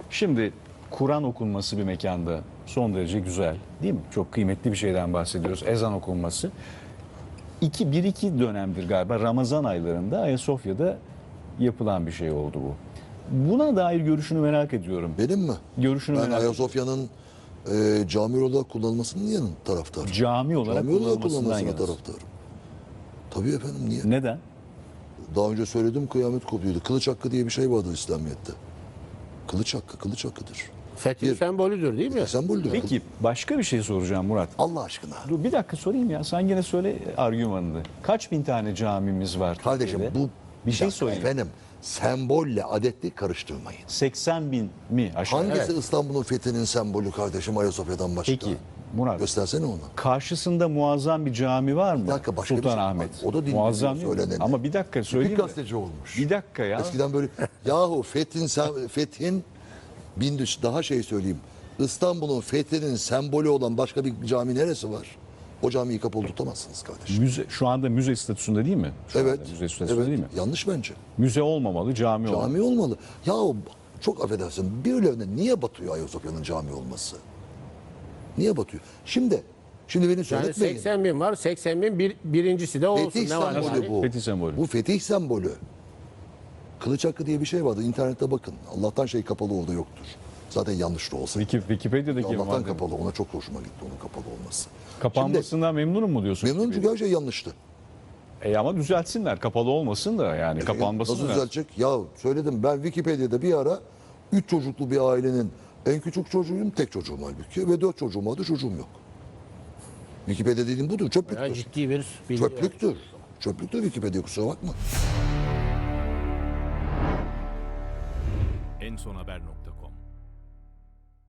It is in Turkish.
Şimdi Kur'an okunması bir mekanda son derece güzel, değil mi? Çok kıymetli bir şeyden bahsediyoruz. Ezan okunması. Bir iki dönemdir galiba Ramazan aylarında Ayasofya'da yapılan bir şey oldu bu. Buna dair görüşünü merak ediyorum. Benim mi? Görüşünü Ben merak ediyorum. Ayasofya'nın cami olarak kullanılmasının yanın taraftarım. Cami olarak kullanılmasından kullanılmasına yanasın. taraftarım. Tabii efendim, niye? Neden? Daha önce söyledim, kıyamet kopuyordu. Kılıç hakkı diye bir şey vardır İslamiyet'te. Kılıç hakkı, kılıç hakkıdır. Fetih sembolüdür değil mi? Semboldür. Peki başka bir şey soracağım Murat. Allah aşkına. Dur bir dakika sorayım ya. Sen gene söyle argümanını. Kaç bin tane camimiz var Kardeşim Türkiye'de? bu bir şey dakika sorayım. efendim, sembolle adetli karıştırmayın. 80 bin mi aşağı? Hangisi Evet. İstanbul'un fethinin sembolü kardeşim Ayasofya'dan başka? Peki Murat. Göstersene onu. Karşısında muazzam bir cami var mı? Bir dakika, başka bir şey Sultanahmet. var. O da dinleniyor, muazzam değil mi? söyleneni. Ama bir dakika Bir söyleyeyim mi? gazeteci olmuş. Bir dakika ya. Eskiden böyle yahu fethin daha şey söyleyeyim. İstanbul'un fethinin sembolü olan başka bir cami neresi var? O camiyi kapalı tutamazsınız kardeşim. Müze, şu anda müze statüsünde değil mi? Şu Evet. anda müze statüsünde Evet. değil mi? Yanlış bence. Müze olmamalı, cami olmalı. Cami olmalı. Yahu çok affedersin. Birilerine niye batıyor Ayasofya'nın cami olması? Niye batıyor? Şimdi beni Yani söyletmeyin. 80 bin var. 80 bin birincisi de olsun. Fetih Ne var sembolü yani? bu. Fetih sembolü. Bu fetih sembolü. Kılıç hakkı diye bir şey vardı. İnternette bakın. Allah'tan şey kapalı orada yoktur. Zaten yanlış da olsa. Wikipedia'daki Allah'tan madde. kapalı. Ona çok hoşuma gitti onun kapalı olması. Kapanmasından memnunum mu diyorsun? Memnunum çünkü her şey yanlıştı. Ama düzeltsinler. Kapalı olmasın da yani kapanmasın. Nasıl da. düzelecek? Ya söyledim, ben Wikipedia'da bir ara 3 çocuklu bir ailenin en küçük çocuğuyum, tek çocuğum halbuki ve 4 çocuğum vardı, çocuğum yok. Wikipedia dediğim budur, Ya çöplüktür. ciddi bir bilgi. Çöplüktür. Çöplüktür Wikipedia, kusura bakma. ensonhaber.com